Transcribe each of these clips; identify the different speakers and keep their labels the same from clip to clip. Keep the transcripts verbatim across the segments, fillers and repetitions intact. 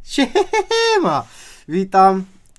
Speaker 1: Siema! Witam,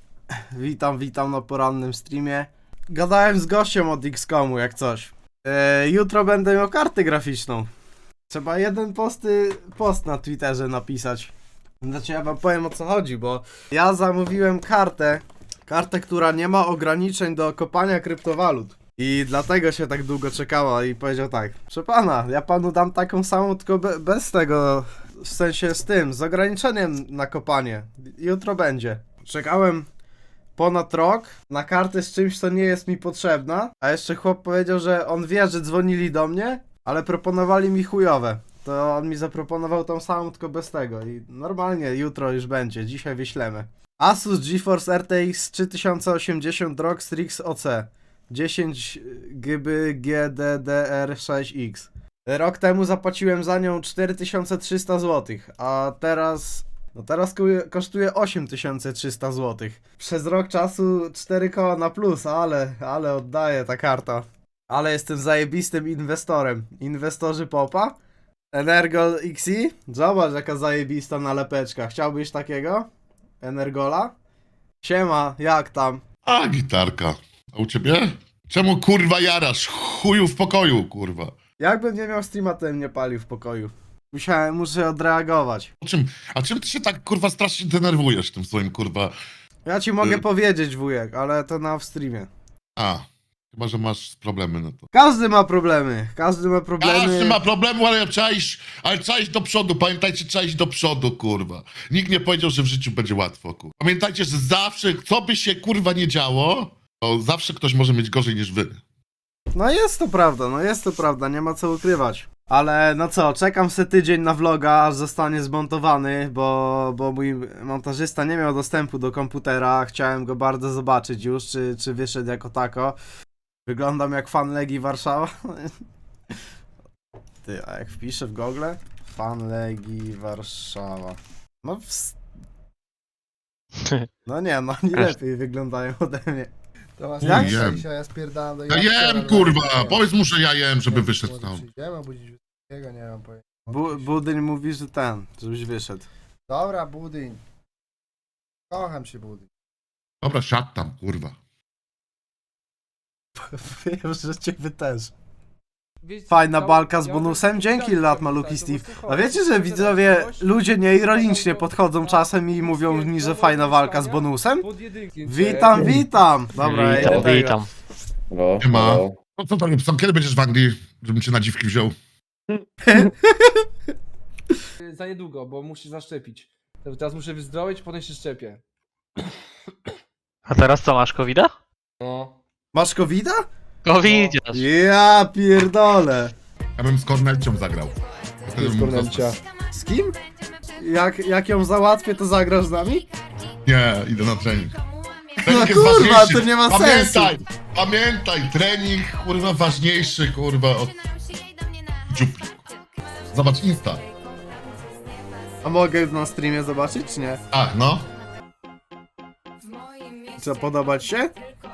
Speaker 1: witam, witam na porannym streamie. Gadałem z gościem od X komu jak coś. E, jutro będę miał kartę graficzną. Trzeba jeden posty, post na Twitterze napisać. Znaczy ja wam powiem o co chodzi, bo ja zamówiłem kartę, kartę, która nie ma ograniczeń do kopania kryptowalut. I dlatego się tak długo czekała i powiedział tak: proszę pana, ja panu dam taką samą, tylko be, bez tego, w sensie z tym, z ograniczeniem na kopanie. Jutro będzie. Czekałem ponad rok na kartę z czymś, co nie jest mi potrzebna, a jeszcze chłop powiedział, że on wie, że dzwonili do mnie, ale proponowali mi chujowe. To on mi zaproponował tą samą, tylko bez tego i normalnie jutro już będzie, dzisiaj wyślemy. Asus GeForce R T X trzy tysiące osiemdziesiąt R O G Strix O C dziesięć giga G D D R sześć X. Rok temu zapłaciłem za nią cztery tysiące trzysta złotych, a teraz... No teraz kosztuje osiem tysięcy trzysta złotych. Przez rok czasu cztery koła na plus, ale, ale oddaję ta karta. Ale jestem zajebistym inwestorem. Inwestorzy popa? Energol X I? Zobacz jaka zajebista nalepeczka. Chciałbyś takiego? Energola? Siema, jak tam?
Speaker 2: A, gitarka. A u ciebie? Czemu kurwa jarasz? Chuju w pokoju, kurwa.
Speaker 1: Jakbym nie miał streama, to bym nie palił w pokoju. Musiałem, muszę odreagować.
Speaker 2: O czym, a czym ty się tak kurwa strasznie denerwujesz tym swoim kurwa...
Speaker 1: Ja ci mogę
Speaker 2: Y-
Speaker 1: powiedzieć, wujek, ale to na w streamie.
Speaker 2: A, chyba, że masz problemy, no to...
Speaker 1: Każdy ma problemy, każdy ma problemy.
Speaker 2: Każdy ma problemu, ale trzeba iść, ale trzeba iść do przodu. Pamiętajcie, trzeba iść do przodu, kurwa. Nikt nie powiedział, że w życiu będzie łatwo, kurwa. Pamiętajcie, że zawsze, co by się kurwa nie działo, to zawsze ktoś może mieć gorzej niż wy.
Speaker 1: No jest to prawda, no jest to prawda, nie ma co ukrywać. Ale no co, czekam se tydzień na vloga, aż zostanie zmontowany, bo, bo mój montażysta nie miał dostępu do komputera. Chciałem go bardzo zobaczyć już, czy, czy wyszedł jako tako. Wyglądam jak fan Legii Warszawa. Ty, a jak wpiszę w Google? Fan Legii Warszawa. No w... No nie, no nie lepiej wyglądają ode mnie.
Speaker 3: To was
Speaker 1: Jak?
Speaker 3: jak?
Speaker 2: Jem.
Speaker 3: Dzisiaj ja spierdalam do
Speaker 2: Ja
Speaker 3: Jacka,
Speaker 2: jem,
Speaker 3: ale
Speaker 2: kurwa,
Speaker 3: nie wiem.
Speaker 2: powiedz mu, że ja jem, żeby
Speaker 3: Nie,
Speaker 2: wyszedł
Speaker 3: może
Speaker 2: tam.
Speaker 3: Przyjdziemy obudzić Wysokiego, nie mam pojęcia.
Speaker 1: Bu Budyń mówi, że ten, żebyś wyszedł.
Speaker 3: Dobra, budyń. Kocham się, budyń.
Speaker 2: Dobra, siad tam, kurwa.
Speaker 1: Wiem, że ciebie też.
Speaker 4: Wiecie,
Speaker 1: Fajna
Speaker 4: ja-
Speaker 1: balka z
Speaker 4: ja
Speaker 1: bonusem,
Speaker 4: bym-
Speaker 1: dzięki
Speaker 4: ja
Speaker 1: lat
Speaker 4: bym-
Speaker 1: maluki
Speaker 4: tak,
Speaker 1: Steve.
Speaker 4: to
Speaker 1: A
Speaker 4: właśnie
Speaker 1: wiecie, że
Speaker 4: chodzi.
Speaker 1: widzowie,
Speaker 4: Coś,
Speaker 1: ludzie nieironicznie podchodzą czasem i mówią mi, że fajna walka z bonusem?
Speaker 4: Pod jedynki.
Speaker 1: Witam, witam! Dobra, ja idę
Speaker 5: Witam,
Speaker 1: tego.
Speaker 5: witam.
Speaker 6: No,
Speaker 2: Nie ma.
Speaker 6: no.
Speaker 2: No co to, co, kiedy będziesz w Anglii, żebym cię na dziwki wziął?
Speaker 4: Za niedługo, bo muszę zaszczepić. Teraz muszę wyzdrowieć, potem się szczepię.
Speaker 5: A teraz co, masz kowida?
Speaker 4: No.
Speaker 1: Masz covida?
Speaker 5: Covidziarz.
Speaker 1: Ja pierdolę.
Speaker 2: Ja bym z Kornelcią zagrał. Wtedy bym mógł
Speaker 3: Kornelcia.
Speaker 2: zostać.
Speaker 1: Z kim? Jak, jak ją załatwię, to zagrasz z nami?
Speaker 2: Nie, idę na trening.
Speaker 1: No
Speaker 2: Trening jest
Speaker 1: kurwa,
Speaker 2: ważniejszy.
Speaker 1: to nie ma
Speaker 2: Pamiętaj,
Speaker 1: sensu.
Speaker 2: Pamiętaj, trening, kurwa, ważniejszy, kurwa, od dziupli. Zobacz, Insta.
Speaker 1: A mogę na streamie zobaczyć, czy nie?
Speaker 2: Ach, no.
Speaker 1: Co, podobać się?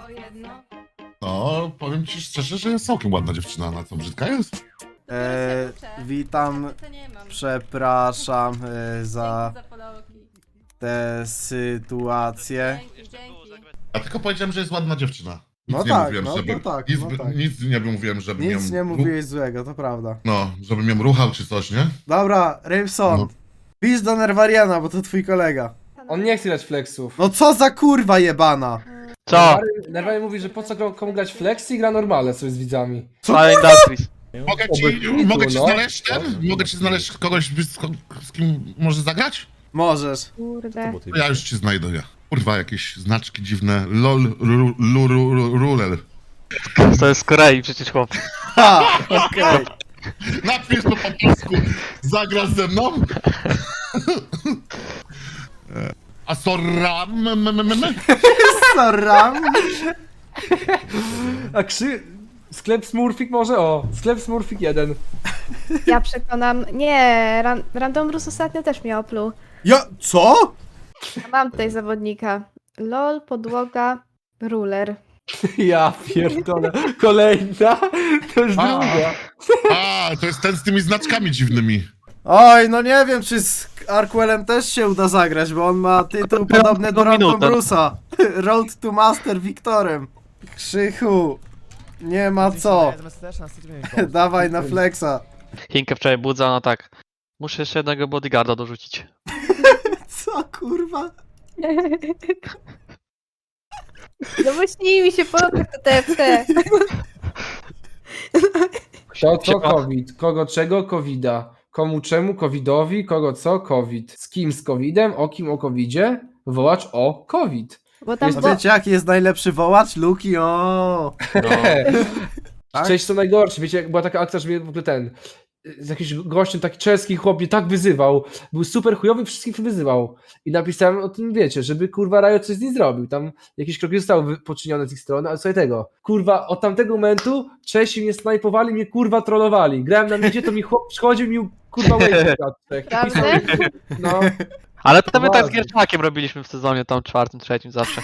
Speaker 2: No, powiem ci szczerze, że jest całkiem ładna dziewczyna. Na co, brzydka jest?
Speaker 1: Eee, witam, przepraszam e, za tę sytuację.
Speaker 2: Ja tylko powiedziałem, że jest ładna dziewczyna. Nic
Speaker 1: No
Speaker 2: nie
Speaker 1: tak,
Speaker 2: mówiłem,
Speaker 1: no
Speaker 2: żeby,
Speaker 1: to tak,
Speaker 2: nic,
Speaker 1: no tak.
Speaker 2: nic nie mówiłem, żebym ją...
Speaker 1: Nic nie mówiłeś złego, to prawda.
Speaker 2: No, żebym ją ruchał czy coś, nie?
Speaker 1: Dobra, Rymson,
Speaker 2: No.
Speaker 1: pisz do Nerwariana, bo to twój kolega.
Speaker 4: On nie chce grać flexów.
Speaker 1: No co za kurwa jebana?
Speaker 5: Co?
Speaker 4: Nerwany mówi, że po co gra- komu grać flexi i gra normalne sobie z widzami.
Speaker 5: Fine Industries.
Speaker 2: Mogę ci,
Speaker 4: Oby-
Speaker 2: mogę ci
Speaker 4: no.
Speaker 2: znaleźć ten? Mogę ci znaleźć kogoś, z, z kim może zagrać?
Speaker 1: Możesz.
Speaker 7: Kurde.
Speaker 2: To ja już ci znajdę, ja. Kurwa, jakieś znaczki dziwne. Lol, ru, lu, ru, ru, rulel.
Speaker 5: To jest z Korei przecież chłop.
Speaker 1: Ha, okej.
Speaker 2: Napisz to po polsku. Zagrasz ze mną? A soram? m, m, m, m?
Speaker 1: Soram.
Speaker 4: A krzy... Sklep Smurfik może? O, sklep Smurfik jeden.
Speaker 7: Ja przekonam. Nie, ran, Random Rus ostatnio też mnie opluł.
Speaker 1: Ja, co?
Speaker 7: A mam tutaj zawodnika. LOL, podłoga, ruler.
Speaker 4: Ja pierdolę. Kolejna? To już
Speaker 2: A.
Speaker 4: druga.
Speaker 2: A, to jest ten z tymi znaczkami dziwnymi.
Speaker 1: Oj, no nie wiem, czy z Arquelem też się uda zagrać, bo on ma tytuł podobny do
Speaker 5: minutę.
Speaker 1: Random Bruce'a. Road to Master Wiktorem. Krzychu, nie ma co. Dawaj na flexa.
Speaker 5: Chinkę wczoraj budza, no tak. Muszę jeszcze jednego bodyguarda dorzucić.
Speaker 1: Co kurwa?
Speaker 7: No bo śni mi się po nocach to T F T.
Speaker 4: To co COVID? Kogo czego? Covida. Komu czemu? Covidowi. Kogo co? COVID. Z kim z Covidem? O kim o Covidzie? Wołacz o COVID.
Speaker 7: Bo tam
Speaker 1: A
Speaker 7: bo...
Speaker 1: wiecie jaki jest najlepszy wołacz? Luki, o.
Speaker 5: No.
Speaker 1: Tak?
Speaker 4: Cześć, co najgorsze. Wiecie, jak była taka akcja, że mnie w ogóle ten... Z jakimś gościem, taki czeski chłop mnie tak wyzywał. Był super chujowy, wszystkich wyzywał. I napisałem o tym, wiecie, żeby kurwa Riot coś z nim zrobił. Tam jakieś kroki zostały wy- poczynione z ich strony, ale słuchaj tego. Kurwa, od tamtego momentu Czesi mnie snajpowali, mnie kurwa trollowali. Grałem na midzie, to mi chłop przychodził mi kurwa wave
Speaker 7: Prawda?
Speaker 4: No,
Speaker 5: Ale to my tak z
Speaker 4: Poważnie.
Speaker 5: Gierczakiem robiliśmy w sezonie tam czwartym, trzecim zawsze.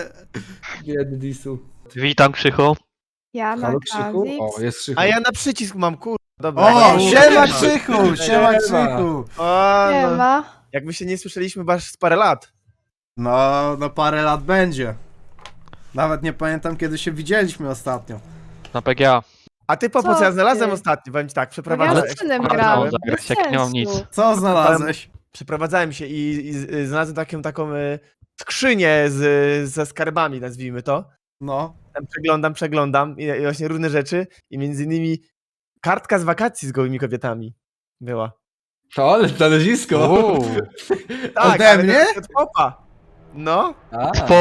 Speaker 4: biedny Disu.
Speaker 5: Witam Krzychu.
Speaker 7: Ja na
Speaker 4: Halo Krzychu?
Speaker 7: Kazix.
Speaker 4: O, jest Krzychu.
Speaker 6: A ja na przycisk mam, kur... Dobra.
Speaker 1: O,
Speaker 6: Dobra.
Speaker 1: siema Krzychu, siema
Speaker 4: Siema.
Speaker 1: Krzychu.
Speaker 6: O,
Speaker 7: Nie
Speaker 6: no,
Speaker 7: ma.
Speaker 6: jakby się nie słyszeliśmy chyba z parę lat.
Speaker 1: No, no parę lat będzie. Nawet nie pamiętam kiedy się widzieliśmy ostatnio.
Speaker 5: Na P G A.
Speaker 6: A ty po
Speaker 7: Co
Speaker 6: co ja znalazłem
Speaker 7: ty?
Speaker 6: ostatnio, powiem ci tak,
Speaker 7: No ja
Speaker 6: przeprowadzałem,
Speaker 7: z synem
Speaker 5: Ale-
Speaker 7: grałem.
Speaker 5: Ale- zagrać,
Speaker 7: Bez
Speaker 5: jak nie mam
Speaker 7: sensu.
Speaker 5: nic.
Speaker 1: Co znalazłeś?
Speaker 6: przeprowadzałem się i, i, z- y, znalazłem taką, taką y, skrzynię z, ze skarbami, nazwijmy to.
Speaker 1: No.
Speaker 6: Tam przeglądam, przeglądam i, i właśnie różne rzeczy i między innymi kartka z wakacji z gołymi kobietami była.
Speaker 4: To, ale znalezisko.
Speaker 5: Uuu.
Speaker 6: Tak,
Speaker 1: Ode
Speaker 6: ale
Speaker 1: mnie?
Speaker 6: to od popa. No,
Speaker 4: A,
Speaker 5: Po...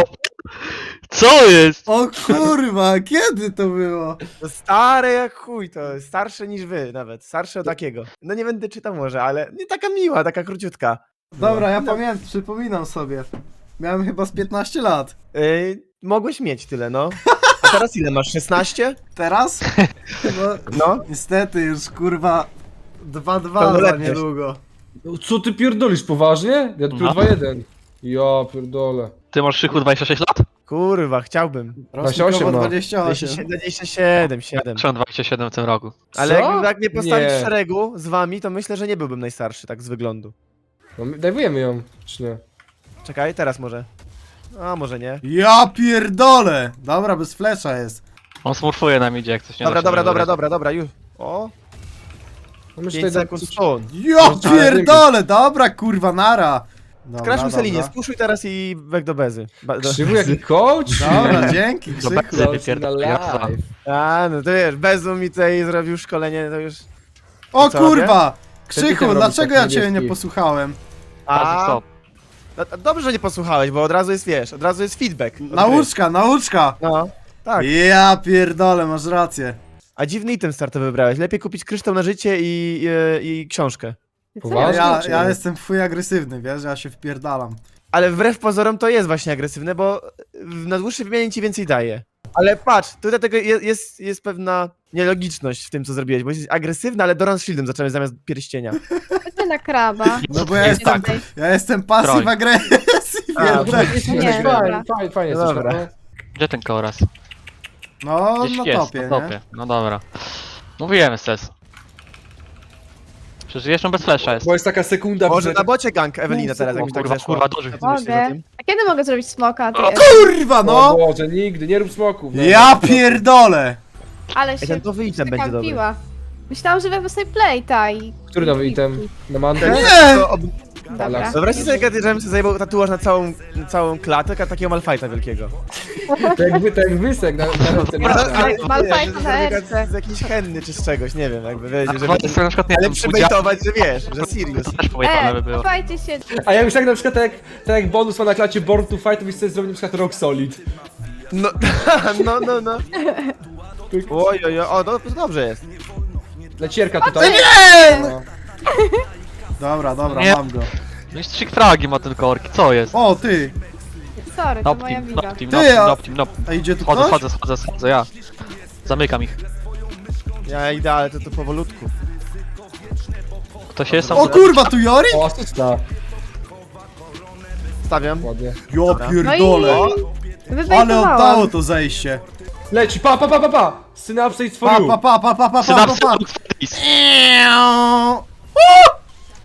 Speaker 5: Co jest?
Speaker 1: O kurwa, kiedy to było?
Speaker 6: to stare jak chuj, to starsze niż wy nawet, starsze od takiego. No nie będę czytał może, ale nie taka miła, taka króciutka.
Speaker 1: Dobra, ja pamiętam, przypominam sobie. Miałem chyba z piętnaście lat.
Speaker 6: Yy, mogłeś mieć tyle, no. A teraz ile masz? szesnaście?
Speaker 1: Teraz? No,
Speaker 6: No.
Speaker 1: niestety już kurwa dwa dwa za
Speaker 6: Pełnoletność.
Speaker 1: niedługo.
Speaker 4: co ty pierdolisz, poważnie? Ja dopiero
Speaker 5: No.
Speaker 4: dwa jeden. Ja pierdolę.
Speaker 5: Ty masz Krzychu dwadzieścia sześć lat?
Speaker 6: Kurwa, chciałbym.
Speaker 1: Rocznikowo
Speaker 4: dwadzieścia osiem, no.
Speaker 1: dwadzieścia osiem.
Speaker 6: dwadzieścia siedem, siedem.
Speaker 5: Trzeba dwadzieścia siedem w tym roku.
Speaker 6: Ale
Speaker 4: Co?
Speaker 6: jakbym tak nie postawić
Speaker 4: Nie.
Speaker 6: w szeregu z wami, to myślę, że nie byłbym najstarszy, tak z wyglądu.
Speaker 4: No, my- dajwujemy ją, czy nie?
Speaker 6: Czekaj, teraz może. A, może nie.
Speaker 1: Ja pierdolę! Dobra, bez flesza jest.
Speaker 5: On smurfuje na midzie, jak coś nie
Speaker 6: Dobra,
Speaker 5: da się
Speaker 6: dobra, dobra,
Speaker 5: wybrać.
Speaker 6: dobra, dobra, już. O,
Speaker 4: No my
Speaker 6: pięć
Speaker 4: tutaj
Speaker 6: sekund stąd.
Speaker 1: Ja pierdolę, dobra kurwa, nara. Dobra,
Speaker 6: Skrasz mu Selinie,
Speaker 1: dobra.
Speaker 6: spuszuj teraz i weg do bezy. Ba do...
Speaker 4: Krzywu jaki coach?
Speaker 1: Dobra, dzięki
Speaker 5: Dobra,
Speaker 1: Krzychu.
Speaker 5: lepiej pierdolę, ja co?
Speaker 6: A, no to wiesz, Bezu mi tutaj zrobił szkolenie, to już...
Speaker 1: O
Speaker 6: Co
Speaker 1: kurwa!
Speaker 4: Ty
Speaker 1: Krzychu,
Speaker 4: robisz
Speaker 1: dlaczego
Speaker 4: taki
Speaker 1: ja ciebie nie
Speaker 4: niebieski.
Speaker 1: posłuchałem?
Speaker 5: A,
Speaker 6: A,
Speaker 5: stop.
Speaker 6: no, to dobrze, że nie posłuchałeś, bo od razu jest, wiesz, od razu jest feedback. od gry.
Speaker 1: Nauczka, nauczka!
Speaker 6: No, tak.
Speaker 1: Ja pierdolę, masz rację.
Speaker 6: A dziwny item startowy wybrałeś. Lepiej kupić kryształ na życie i, i, i książkę.
Speaker 4: Poważnie?
Speaker 1: Ja,
Speaker 4: czy
Speaker 1: ja
Speaker 4: nie?
Speaker 1: jestem fuj agresywny, wiesz, ja się wpierdalam.
Speaker 6: Ale wbrew pozorom to jest właśnie agresywne, bo w- na dłuższej wymianie ci więcej daje. Ale patrz, tutaj tego jest, jest, jest pewna nielogiczność w tym, co zrobiłeś, bo jesteś agresywny, ale Doran z shieldem zacząłeś zamiast pierścienia.
Speaker 7: Ty na kraba.
Speaker 1: No bo ja
Speaker 5: Jest
Speaker 1: jestem,
Speaker 7: tak.
Speaker 1: ja jestem pasyw
Speaker 5: Troń.
Speaker 1: agresji,
Speaker 6: A,
Speaker 1: wiem,
Speaker 6: dobra.
Speaker 1: tak.
Speaker 7: Nie,
Speaker 4: Fajnie,
Speaker 7: dobra.
Speaker 4: fajnie, fajnie
Speaker 6: No
Speaker 4: jesteś,
Speaker 6: dobra.
Speaker 4: no.
Speaker 5: Gdzie ten koraz?
Speaker 1: No,
Speaker 5: Gdzieś
Speaker 1: na
Speaker 5: jest,
Speaker 1: topie,
Speaker 5: na
Speaker 1: nie?
Speaker 5: topie. No dobra. Mówiłem ses. Przecież jeszcze bez flesza jest.
Speaker 4: Bo jest taka sekunda,
Speaker 6: Może
Speaker 4: że
Speaker 6: na bocie gang Ewelina teraz,
Speaker 5: O
Speaker 6: jakbyś tak
Speaker 5: kurwa,
Speaker 6: zeszła.
Speaker 5: kurwa, duży.
Speaker 6: Co ty myślisz o
Speaker 7: Mogę.
Speaker 6: tym?
Speaker 7: A kiedy mogę zrobić smoka? Ty?
Speaker 1: Kurwa,
Speaker 4: O
Speaker 1: no!
Speaker 4: Boże, nigdy, nie rób smoków. no.
Speaker 1: Ja pierdolę!
Speaker 7: Ale
Speaker 6: Ej,
Speaker 7: się
Speaker 6: ten nowy item będzie dobry.
Speaker 7: przekampiła. Myślałam, że wezmę sobie playta i...
Speaker 4: Który nowy item? Na mantę?
Speaker 1: Nie!
Speaker 6: To ob...
Speaker 7: Dobra.
Speaker 6: Wyobraźcie sobie, kiedy żebym sobie zajebał tatuaż na całą, na całą klatę, a takiego Malfighta wielkiego.
Speaker 4: Tak jakby, tak jak wysek na, na ten
Speaker 7: Ale Malphite
Speaker 6: wiesz,
Speaker 7: na
Speaker 6: że zrobię
Speaker 7: erce.
Speaker 6: z jakiejś henny czy z czegoś, nie wiem, jakby wiecie,
Speaker 5: A
Speaker 6: żeby...
Speaker 5: zobaczcie sobie na przykład, nie
Speaker 6: Ale
Speaker 5: wiem,
Speaker 6: przybejtować, że wiesz, że Sirius.
Speaker 5: też pojechane by
Speaker 7: E,
Speaker 5: było.
Speaker 7: chowajcie się.
Speaker 4: A ja już tak na przykład, tak jak, tak jak bonus ma na klacie Born to Fight, to byś sobie zrobił na przykład Rock Solid.
Speaker 6: No, no, no, no. Oj, oj, oj, o, no, to dobrze jest.
Speaker 4: Lecierka tutaj. No.
Speaker 1: Dobra, dobra,
Speaker 5: Nie.
Speaker 1: mam go.
Speaker 5: No i trzy fragi ma ten korki, co jest?
Speaker 1: O, ty!
Speaker 7: Sorry, to
Speaker 5: Nop
Speaker 7: moja
Speaker 5: team,
Speaker 7: wina.
Speaker 5: nop team,
Speaker 1: Ty,
Speaker 5: nop team,
Speaker 1: a-
Speaker 5: nop team, nop.
Speaker 1: A idzie tu
Speaker 5: Chodzę,
Speaker 1: ktoś?
Speaker 5: chodzę, chodzę, chodzę, ja. Zamykam ich.
Speaker 6: Ja idę, ale to, to powolutku.
Speaker 5: Ktoś jest tam?
Speaker 1: O kurwa, tu Jori?
Speaker 4: O, asysta.
Speaker 6: Stawiam.
Speaker 4: Ładnie.
Speaker 1: Ja pierdolę.
Speaker 6: O,
Speaker 1: Ale
Speaker 7: Wybejtowałam.
Speaker 1: oddało to zejście.
Speaker 4: Leci, pa, pa, pa, pa, pa! Synapse for
Speaker 1: Pa,
Speaker 4: you.
Speaker 1: pa, pa, pa, pa, pa, pa,
Speaker 5: Synapsy
Speaker 1: pa.
Speaker 5: Lux Face.
Speaker 1: Eee.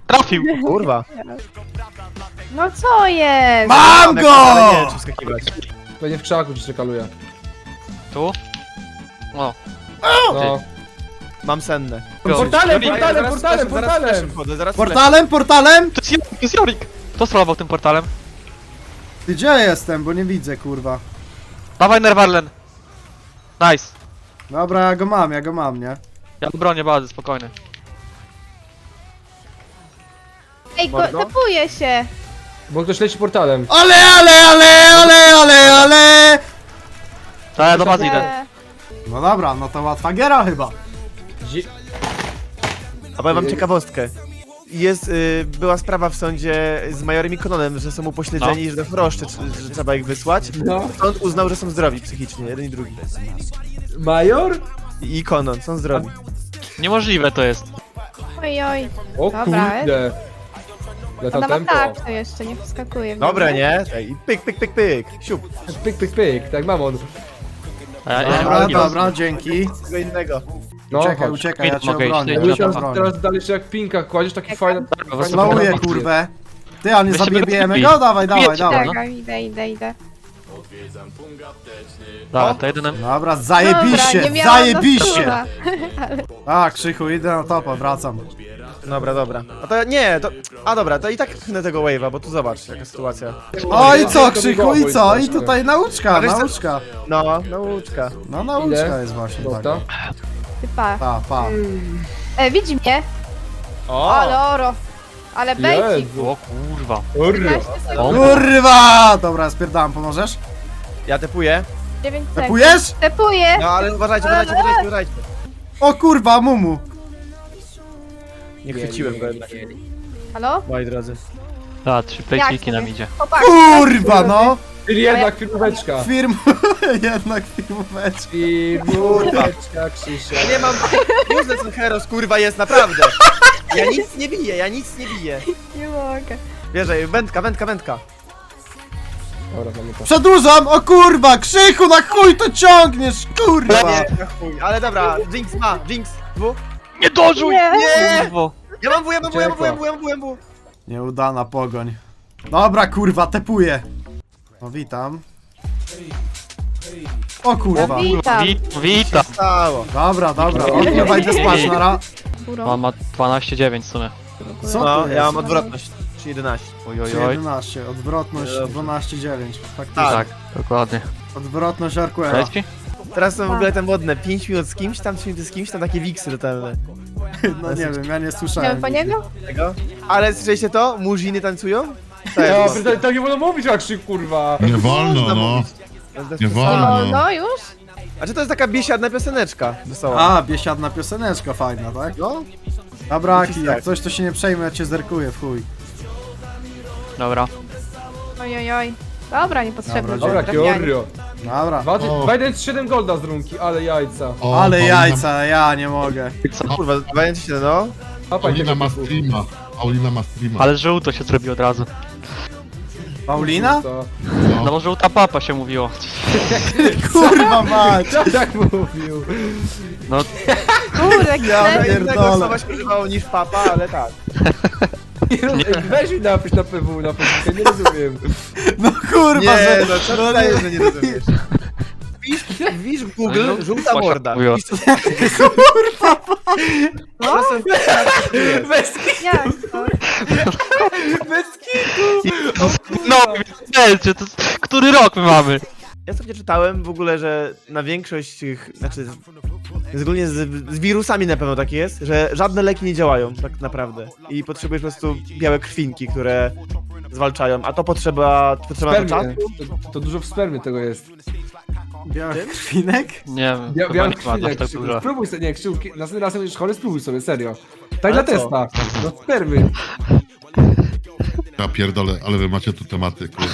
Speaker 5: Trafił!
Speaker 6: Kurwa.
Speaker 7: No co jest?
Speaker 1: Mam go!
Speaker 6: Ale nie wiem, czy wskakiwać.
Speaker 4: Będzie w krzaku ci czekaluję.
Speaker 5: Tu? O,
Speaker 4: No.
Speaker 6: Mam senne.
Speaker 4: Portalem,
Speaker 5: Jorik,
Speaker 4: portalem,
Speaker 6: Zaraz
Speaker 4: portalem,
Speaker 6: fleszem, zaraz
Speaker 4: portalem!
Speaker 6: fleszem wchodzę, zaraz
Speaker 1: Portalem, portalem?
Speaker 5: to jest Jorik, to jest Jorik! Kto solował tym portalem?
Speaker 1: Ty gdzie jestem, bo nie widzę, kurwa.
Speaker 5: Dawaj Nerwarlen! Nice!
Speaker 1: Dobra, ja go mam, ja go mam, nie?
Speaker 5: Ja bronię bazy, spokojnie.
Speaker 7: Ej, go,
Speaker 6: Mordo?
Speaker 7: tapuje się.
Speaker 4: Bo ktoś leci portalem.
Speaker 1: Ale, ale, ale, ale, ale, ale!
Speaker 5: Tak, ja do bazy idę.
Speaker 7: E,
Speaker 1: No dobra, no to łatwa giera chyba.
Speaker 4: Dzi-
Speaker 6: A powiem wam ciekawostkę. Jest, y, była sprawa w sądzie z majorem i Kononem, że są upośledzeni i że w roszczy, tr- że trzeba ich wysłać.
Speaker 4: No.
Speaker 6: Sąd uznał, że są zdrowi psychicznie, jeden i drugi.
Speaker 4: Major?
Speaker 6: I Konon, są zdrowi.
Speaker 5: Niemożliwe to jest.
Speaker 7: oj, oj.
Speaker 4: O
Speaker 7: Dobra,
Speaker 4: kurde. Leta
Speaker 7: Ona ma
Speaker 4: tempo.
Speaker 7: tak, to jeszcze nie wskakuje. w
Speaker 6: Dobre,
Speaker 7: niego.
Speaker 6: nie? Ej, I pyk, pyk, pyk, pyk. Siup.
Speaker 4: Pyk, pyk, pyk, tak mam on.
Speaker 5: A ja, ja
Speaker 1: Dobra,
Speaker 5: nie
Speaker 1: dobra, dzięki.
Speaker 6: Czego innego.
Speaker 4: No,
Speaker 1: Uciekaj,
Speaker 4: chodź.
Speaker 1: uciekaj, ja cię
Speaker 5: Mogę iść,
Speaker 1: obronię.
Speaker 5: nie?
Speaker 1: Ja
Speaker 4: Jakbyś
Speaker 1: cię
Speaker 4: teraz,
Speaker 1: obronię.
Speaker 4: teraz dalej się jak pinka kładziesz, taki fajny...
Speaker 5: Dobra,
Speaker 1: Slowuję,
Speaker 5: Dobra.
Speaker 1: kurwę. Ty, a nie
Speaker 5: Weź się
Speaker 1: zabijemy
Speaker 5: wycofnij.
Speaker 1: go? Dawaj, dawaj,
Speaker 5: Wiecie,
Speaker 1: dawaj.
Speaker 5: no.
Speaker 7: Czekaj, idę, idę, idę.
Speaker 5: Dobra, to jedyne...
Speaker 1: Dobra, zajebiście,
Speaker 7: Dobra, nie miałam
Speaker 1: zajebiście.
Speaker 7: na
Speaker 1: A, Krzychu, idę na topa, wracam.
Speaker 6: Dobra, dobra. A to nie, to... A dobra, to i tak pchnę tego wave'a, bo tu zobacz, jaka sytuacja.
Speaker 1: O i co, Krzychu, i co? I tutaj nauczka,
Speaker 6: A wiesz co-
Speaker 1: nauczka.
Speaker 6: No, nauczka.
Speaker 1: No nauczka
Speaker 4: Ile?
Speaker 1: jest właśnie
Speaker 4: Dobra.
Speaker 1: taka.
Speaker 7: Ty pa.
Speaker 1: Pa, pa.
Speaker 7: E, widzi mnie?
Speaker 6: O!
Speaker 7: Ale oro. Ale bejcik.
Speaker 4: Jezu.
Speaker 5: O kurwa.
Speaker 4: Urra.
Speaker 7: trzynaście sekund,
Speaker 5: O.
Speaker 1: Kurwa! Dobra, spierdam, pomożesz?
Speaker 6: Ja tepuję.
Speaker 7: dziewięć sekund.
Speaker 1: Tapujesz?
Speaker 7: Tepuję.
Speaker 6: No ale uważajcie, uważajcie, uważajcie, uważajcie.
Speaker 1: O kurwa, mumu.
Speaker 6: Nie chwyciłem go jednak,
Speaker 7: Halo?
Speaker 6: moi drodzy.
Speaker 5: A, trzy pejciki nam idzie.
Speaker 7: Chłopak.
Speaker 1: Kurwa, no.
Speaker 4: Czyli jednak firmóweczka.
Speaker 1: Firm... Jednak firmóweczka.
Speaker 4: Firmóweczka, Krzysia.
Speaker 6: Nie mam... Useless and Heroes, kurwa, jest naprawdę. Ja nic nie biję, ja nic nie biję.
Speaker 7: Nie mogę.
Speaker 6: Wierzę, wędka, wędka, wędka.
Speaker 4: Dobra, mamy to.
Speaker 1: Przedłużam, o kurwa, Krzychu, na chuj to ciągniesz, kurwa.
Speaker 6: Nie, na chuj. Ale dobra, Jinx ma, Jinx, dwu.
Speaker 5: Nie dożuj!
Speaker 7: Nie.
Speaker 6: Nie!
Speaker 5: Kurwo.
Speaker 6: Ja mam W, ja mam W, ja mam W, ja mam W, ja mam W, ja mam W.
Speaker 1: Nieudana pogoń. Dobra, kurwa, tepuję. No witam. O kurwa.
Speaker 7: Witam.
Speaker 5: Wit, witam.
Speaker 6: Stało.
Speaker 1: Dobra, dobra, o, nie wejdę spać, nara.
Speaker 7: Górą.
Speaker 5: On ma dwanaście dziewięć w sumie.
Speaker 1: Co
Speaker 6: No,
Speaker 1: to
Speaker 6: ja
Speaker 1: jest?
Speaker 6: mam odwrotność. trzy jedenaście.
Speaker 5: Oj, oj,
Speaker 1: Trzy
Speaker 5: oj.
Speaker 1: jedenaście, odwrotność
Speaker 6: Dobrze.
Speaker 1: dwanaście dziewięć. Faktycznie.
Speaker 5: Tak, dokładnie.
Speaker 1: Odwrotność Arquera.
Speaker 5: Cześć ci?
Speaker 6: Teraz są w ogóle te modne. pięć minut z kimś, tam trzy minuty z kimś, tam takie wiksy totalne.
Speaker 1: No nie wiem, ja nie
Speaker 7: Idziemy
Speaker 1: słyszałem.
Speaker 7: po niego?
Speaker 6: Tego. Ale słyszeliście to? Murziny tańcują? To
Speaker 4: Ja,
Speaker 6: jest.
Speaker 4: tak, tak nie wolno mówić jak Krzyk, kurwa.
Speaker 2: Nie wolno, no. Nie
Speaker 7: O,
Speaker 2: wolno.
Speaker 7: no już?
Speaker 6: A czy to jest taka biesiadna pioseneczka? Wesoła.
Speaker 1: A, biesiadna pioseneczka fajna, tak?
Speaker 6: No?
Speaker 1: Dobra, Aki,
Speaker 6: tak.
Speaker 1: jak coś to się nie przejmę, ja cię zerkuję w chuj.
Speaker 5: Dobra.
Speaker 7: Oj, oj, oj. Dobra, niepotrzebne.
Speaker 1: Dobra,
Speaker 4: Dobra,
Speaker 7: trafianie.
Speaker 4: Kiorio.
Speaker 1: Dobra.
Speaker 4: dwa
Speaker 2: O.
Speaker 4: jeden siedem golda z runki, ale jajca.
Speaker 2: O,
Speaker 1: Ale
Speaker 2: Paulina-
Speaker 1: jajca, ja nie mogę.
Speaker 6: Kurwa, dwadzieścia siedem, no.
Speaker 4: Papaj
Speaker 2: Paulina
Speaker 4: tego
Speaker 2: ma
Speaker 4: typu.
Speaker 2: streama. Paulina ma streama.
Speaker 5: Ale żółto się zrobił od razu.
Speaker 1: Paulina?
Speaker 4: To-
Speaker 5: No bo żółta papa się mówiło.
Speaker 1: Kurwa mać!
Speaker 4: Co tak mówił?
Speaker 5: No,
Speaker 7: Kurde,
Speaker 1: Ja
Speaker 7: ja
Speaker 1: pierdolę.
Speaker 6: Innego słowa się używało niż papa, ale tak.
Speaker 4: Nie rozumiem. Weź mi napisz na P W, na Facebooku, nie rozumiem.
Speaker 1: No kurwa,
Speaker 6: Nie,
Speaker 1: że...
Speaker 6: no co ty dajesz, że nie rozumiesz? Wpisz, wpisz w Google,
Speaker 5: No,
Speaker 6: żółta
Speaker 5: Posia
Speaker 6: morda.
Speaker 5: mówiła.
Speaker 6: Wpisz, co- Po prostu wpisz,
Speaker 4: Bez,
Speaker 7: Jak to?
Speaker 4: bez kitu!
Speaker 5: no, wiecie, to jest- który rok my mamy?
Speaker 6: Ja sobie czytałem w ogóle, że na większość tych, znaczy szczególnie z, z wirusami na pewno tak jest, że żadne leki nie działają tak naprawdę i potrzebujesz po prostu białe krwinki, które zwalczają, a to potrzeba, potrzeba na to
Speaker 4: Spermie.
Speaker 6: czasu.
Speaker 4: To, to dużo w spermie tego jest.
Speaker 1: Białych krwinek?
Speaker 5: Nie wiem,
Speaker 4: Bia,
Speaker 5: chyba
Speaker 4: białe
Speaker 5: nie ma aż
Speaker 4: krwinek,
Speaker 5: tak
Speaker 4: Krzyku.
Speaker 5: dużo.
Speaker 4: Spróbuj sobie, nie, Krzyku, następnym razem będziesz chory, spróbuj sobie, serio. Tak
Speaker 6: Ale
Speaker 4: dla
Speaker 6: co?
Speaker 4: testa. No spermy.
Speaker 2: Ja pierdolę, ale wy macie tu tematy, kurwa.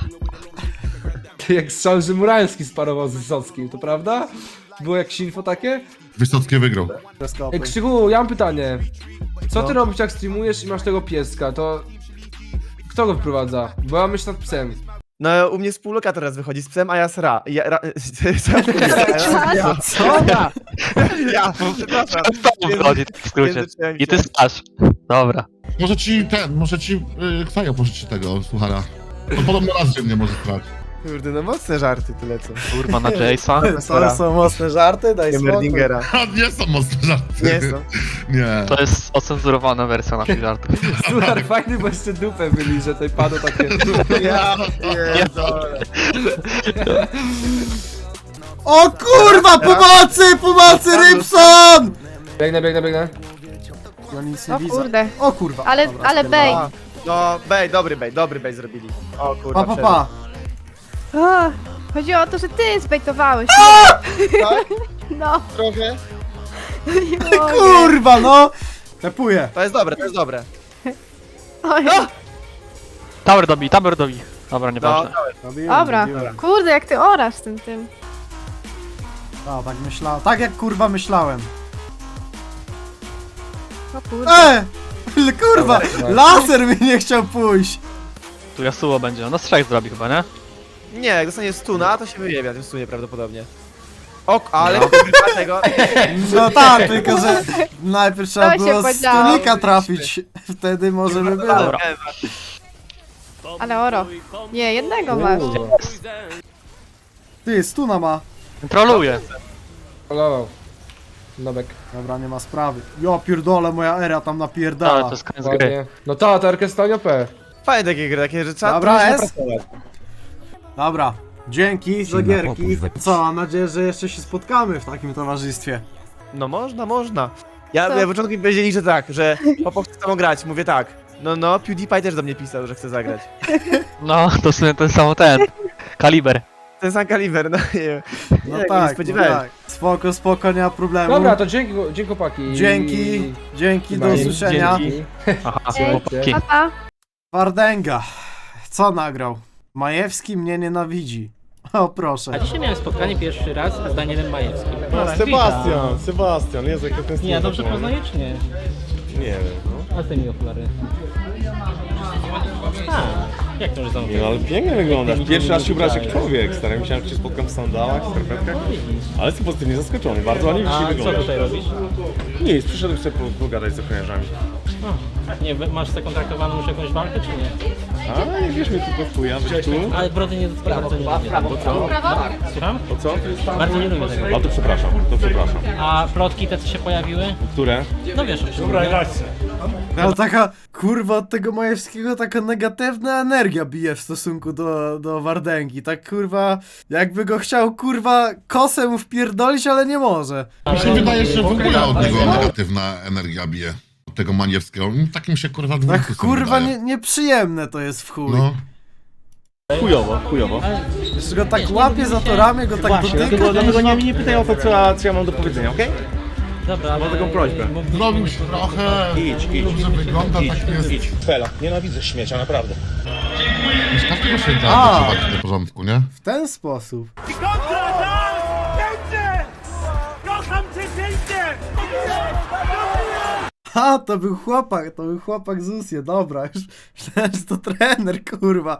Speaker 4: Ty jak strzał, że Murański sparował z Wysockim, to prawda? Było jakieś info takie?
Speaker 2: Wysockie wygrał.
Speaker 1: Teleskopy.
Speaker 4: Ej, Krzyku, ja mam pytanie. Co
Speaker 1: No.
Speaker 4: ty robisz jak streamujesz i masz tego pieska, to... Kto go wprowadza? Bo ja myślę nad psem.
Speaker 6: No u mnie współlokator teraz wychodzi z psem, a ja sra. Ja, ra, co ja mówię?
Speaker 1: Ja, co?
Speaker 6: Ja, ja, przepraszam.
Speaker 5: To wchodzi w skrócie.
Speaker 6: Języcznie
Speaker 5: I ty stasz. Dobra.
Speaker 2: Może ci ten, może ci yy, Ksajo pożyczy tego, słuchara. To podobno raz dziennie może trwać.
Speaker 6: Kurde, no mocne żarty tyle co.
Speaker 5: Kurwa na Jace'a.
Speaker 1: To są mocne żarty, daj spokój.
Speaker 6: Merdingera.
Speaker 2: A nie są mocne żarty.
Speaker 6: Nie są.
Speaker 2: Nie.
Speaker 5: To jest ocenzurowana wersja naszych żartów.
Speaker 4: Słuchaj, fajny, bo jeszcze dupę byli, że tutaj padło takie...
Speaker 6: Ja pierdolę.
Speaker 1: O kurwa, pomocy, pomocy, Rybson!
Speaker 4: Biegnę, biegnę, biegnę.
Speaker 1: Ja nic nie
Speaker 7: O
Speaker 1: widzę.
Speaker 7: kurde.
Speaker 1: O kurwa.
Speaker 7: Ale,
Speaker 1: Dobra,
Speaker 7: ale bej.
Speaker 6: A, no, bej, dobry bej, dobry bej zrobili. O kurwa,
Speaker 1: Pa, pa, pa.
Speaker 7: O, chodzi o to, że ty zbejtowałeś.
Speaker 6: Tak?
Speaker 7: No,
Speaker 6: Trochę.
Speaker 7: nie mogę.
Speaker 1: Kurwa, no! Tepuję.
Speaker 6: To jest dobre, to jest dobre.
Speaker 7: Oj,
Speaker 5: Tower dobij, tower dobij. Dobra,
Speaker 6: No,
Speaker 5: nieważne.
Speaker 1: Robiłem,
Speaker 7: Dobra,
Speaker 1: robiłem.
Speaker 7: kurde, jak ty orasz tym tym.
Speaker 1: A, tak myślałem. Tak jak kurwa myślałem.
Speaker 7: O kurde.
Speaker 1: E! Ale kurwa! Laser mi nie chciał pójść!
Speaker 5: Tu Yasuo będzie. No strzech zrobi chyba, nie?
Speaker 6: nie, jak dostanie stuna, to się wyjebie na tym stunie prawdopodobnie. Ok, ale kurwa tego...
Speaker 1: No tak, tylko że najpierw trzeba
Speaker 7: To się
Speaker 1: było z
Speaker 7: podziało.
Speaker 1: stunika trafić. Wtedy może by było.
Speaker 5: Dobra.
Speaker 7: Ale oro. Nie, jednego masz.
Speaker 1: Ty, stuna ma.
Speaker 5: Troluje.
Speaker 4: Polował. Nobek.
Speaker 1: Dobra, nie ma sprawy. Jo pierdolę, moja era tam
Speaker 5: Ale
Speaker 1: napierdala.
Speaker 5: to jest koniec gry.
Speaker 4: Ładnie. No ta, ta orkiestra O P.
Speaker 6: Fajne takie gry, takie, że trzeba
Speaker 1: Dobra,
Speaker 6: trochę się
Speaker 1: jest?
Speaker 6: napracować.
Speaker 1: Dobra, dzięki za gierki. Co, mam nadzieję, że jeszcze się spotkamy w takim towarzystwie.
Speaker 6: No można, można. Ja,
Speaker 7: Co?
Speaker 6: ja na początku mi powiedzieli, że tak, że Popo chce z tobą grać. Mówię tak. No, no, PewDiePie też do mnie pisał, że chce zagrać.
Speaker 5: No, to w sumie ten sam ten. Kaliber.
Speaker 6: Ten sam kaliber, no nie wiem.
Speaker 1: No
Speaker 6: Nie, nie
Speaker 1: tak, no
Speaker 6: spodziewałem.
Speaker 1: tak. Spoko, spoko, nie ma problemu.
Speaker 4: Dobra, to dzięki, dzięki chłopaki.
Speaker 1: Dzięki, dzięki, do
Speaker 4: Chyba
Speaker 1: usłyszenia.
Speaker 4: dzięki.
Speaker 5: Aha,
Speaker 7: Ej.
Speaker 5: chłopaki.
Speaker 7: Pa, pa.
Speaker 1: Wardęga. Co nagrał? Majewski mnie nienawidzi. O proszę.
Speaker 8: A dzisiaj miałem spotkanie pierwszy raz z Danielem Majewskim.
Speaker 9: Sebastian, Sebastian, Jezu, jak to ten
Speaker 8: Nie, ja dobrze poznaję czy nie?
Speaker 9: Nie wiem, no.
Speaker 8: A ty mi okulary. A, jak to już
Speaker 9: Nie,
Speaker 8: zamówiłem?
Speaker 9: no ale pięknie wyglądasz. Pierwszy raz się ubrałeś jak człowiek, stary. Myślałem, że cię spotkam w sandałach, w skarpetkach. Ale jestem pozytywnie zaskoczony, bardzo ładnie dzisiaj
Speaker 8: A co
Speaker 9: wyglądasz.
Speaker 8: tutaj robisz?
Speaker 9: Nic, przyszedłem sobie po- pogadać z ochroniarzami.
Speaker 8: A, nie, masz zakontraktowaną już jakąś walkę czy nie?
Speaker 9: A nie wiesz mnie tylko w chuja, być tu.
Speaker 8: Ale brody nie, bardzo nie lubię tego.
Speaker 9: Co?
Speaker 8: Słucham?
Speaker 9: O co?
Speaker 8: Bardzo nie lubię tego.
Speaker 9: A to przepraszam, to przepraszam.
Speaker 8: A plotki te co się pojawiły?
Speaker 9: Które?
Speaker 8: No wiesz o czym mówię.
Speaker 1: No taka, kurwa, od tego Majewskiego taka negatywna energia bije w stosunku do, do Wardęgi. Tak kurwa, jakby go chciał kurwa kosę mu wpierdolić, ale nie może.
Speaker 2: Mi się wydaje, że w ogóle od niego negatywna energia bije. Od tego Maniewskiego. Takim się kurwa dwójku
Speaker 1: Tak kurwa nie, nieprzyjemne to jest w chuj.
Speaker 2: No.
Speaker 9: Chujowo, chujowo.
Speaker 1: Jeszcze go tak łapie za to ramię, go tak
Speaker 9: Właśnie,
Speaker 1: dotyka.
Speaker 9: dlatego, dlatego nie, nie pytaj o to, co, co ja mam do powiedzenia, okej?
Speaker 8: Dobra, ale...
Speaker 9: taką prośbę.
Speaker 8: Mogliśmy-
Speaker 2: Zrobił się trochę,
Speaker 9: Idź, idź,
Speaker 2: dobrze wygląda, tak jest.
Speaker 9: idź. Fela, nienawidzę śmiecia, naprawdę.
Speaker 2: Z każdego się da
Speaker 1: A.
Speaker 2: dotrzymać do porządku, nie?
Speaker 1: W ten sposób. Ha, to był chłopak, to był chłopak z Usie, dobra, już myślałem, że to trener, kurwa.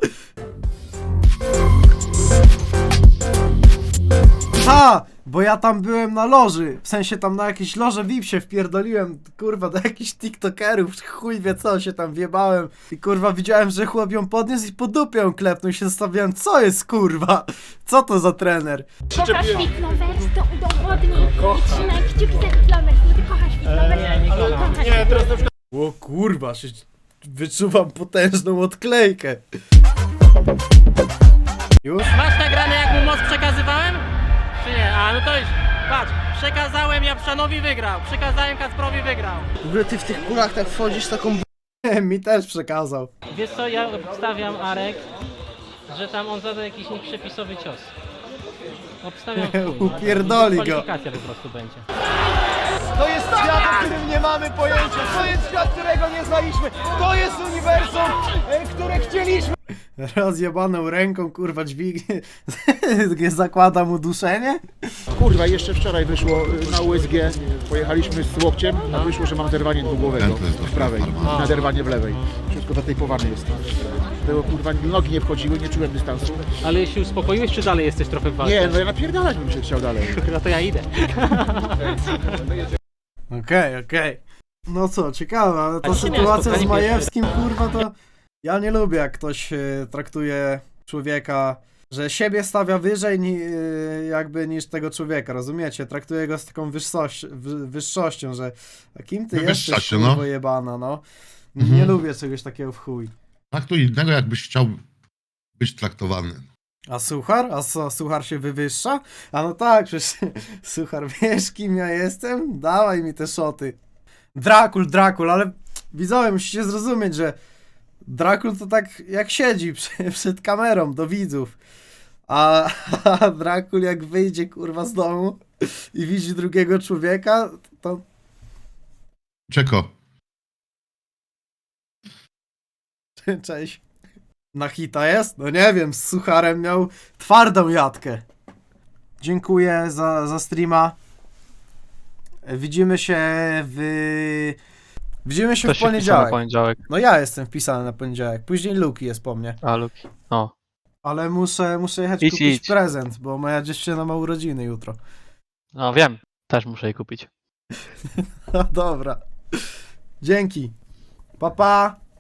Speaker 1: Ha, bo ja tam byłem na loży, w sensie tam na jakieś loże V I P się wpierdoliłem, kurwa, do jakichś tiktokerów, chuj wie co, się tam wjebałem i kurwa widziałem, że chłop ją podniósł i po dupie ją klepnął i się zastanawiałem, co jest kurwa, co to za trener?
Speaker 10: Kochasz Fitlovers, to udowodnij i trzymaj kciuki za Fitlovers, bo ty kochasz Fitlovers.
Speaker 8: Nie, nie kocham.
Speaker 10: Nie, teraz
Speaker 1: O kurwa, się wyczuwam potężną odklejkę. Już?
Speaker 8: Masz nagrane jak mu moc przekazywałem? Czy nie? A no to już, patrz, przekazałem Japszanowi wygrał, przekazałem Kacprowi wygrał.
Speaker 1: W ogóle ty w tych kulach tak wchodzisz taką mi też przekazał.
Speaker 8: Wiesz co, ja obstawiam, Arek, że tam on zada jakiś nieprzepisowy cios. Obstawiam w chuj.
Speaker 1: Upierdoli go.
Speaker 8: Kwalifikacja po prostu będzie.
Speaker 6: To jest świat, o którym nie mamy pojęcia. To jest świat, którego nie znaliśmy. To jest uniwersum, e, które chcieliśmy.
Speaker 1: Rozjebaną ręką, kurwa, dźwignie. Zakłada mu duszenie?
Speaker 11: Kurwa, jeszcze wczoraj wyszło y, na U S G, pojechaliśmy z łokciem, a wyszło, że mam zerwanie dwugłowego
Speaker 2: Ten to jest
Speaker 11: w prawej
Speaker 2: dopiero
Speaker 11: i naderwanie w lewej. Wszystko zatejpowane jest. Było kurwa, nogi nie wchodziły, nie czułem dystansu.
Speaker 8: Ale się uspokoiłeś, czy dalej jesteś trochę w walce?
Speaker 11: Nie, no ja napierdalać bym się chciał dalej.
Speaker 8: No to ja idę.
Speaker 1: Okej, okej. No co, ciekawe, ale ta
Speaker 8: A dzisiaj miałem
Speaker 1: sytuacja z
Speaker 8: spotkanie
Speaker 1: Majewskim, kurwa, to ja nie lubię, jak ktoś e, traktuje człowieka, że siebie stawia wyżej ni, e, jakby niż tego człowieka, rozumiecie? Traktuje go z taką wyższość, wy, wyższością, że a kim ty
Speaker 2: Wywyższa
Speaker 1: jesteś,
Speaker 2: się, no.
Speaker 1: kurwa jebana, no. Nie
Speaker 2: Mhm.
Speaker 1: lubię czegoś takiego w chuj.
Speaker 2: Tak to innego, jakbyś chciał być traktowany.
Speaker 1: A Suchar? A co, Suchar się wywyższa? A no tak, przecież Suchar, wiesz kim ja jestem? Dawaj mi te szoty. Drakul, Drakul, ale widzowie, musicie zrozumieć, że Drakul to tak jak siedzi przy, przed kamerą do widzów. A, a Drakul jak wyjdzie kurwa z domu i widzi drugiego człowieka, to...
Speaker 2: Czeko.
Speaker 1: Cześć. Na hita jest? No nie wiem, z Sucharem miał twardą jatkę. Dziękuję za, za streama. Widzimy się w... Widzimy się
Speaker 5: To
Speaker 1: w
Speaker 5: się wpisał na
Speaker 1: poniedziałek.
Speaker 5: poniedziałek.
Speaker 1: No ja jestem wpisany na poniedziałek. Później Luki jest po mnie.
Speaker 5: A, Luki. O.
Speaker 1: Ale muszę, muszę jechać
Speaker 5: Idź,
Speaker 1: kupić
Speaker 5: idź.
Speaker 1: prezent, bo moja dziewczyna ma urodziny jutro.
Speaker 5: No wiem. Też muszę jej kupić.
Speaker 1: No dobra. Dzięki. Pa, pa.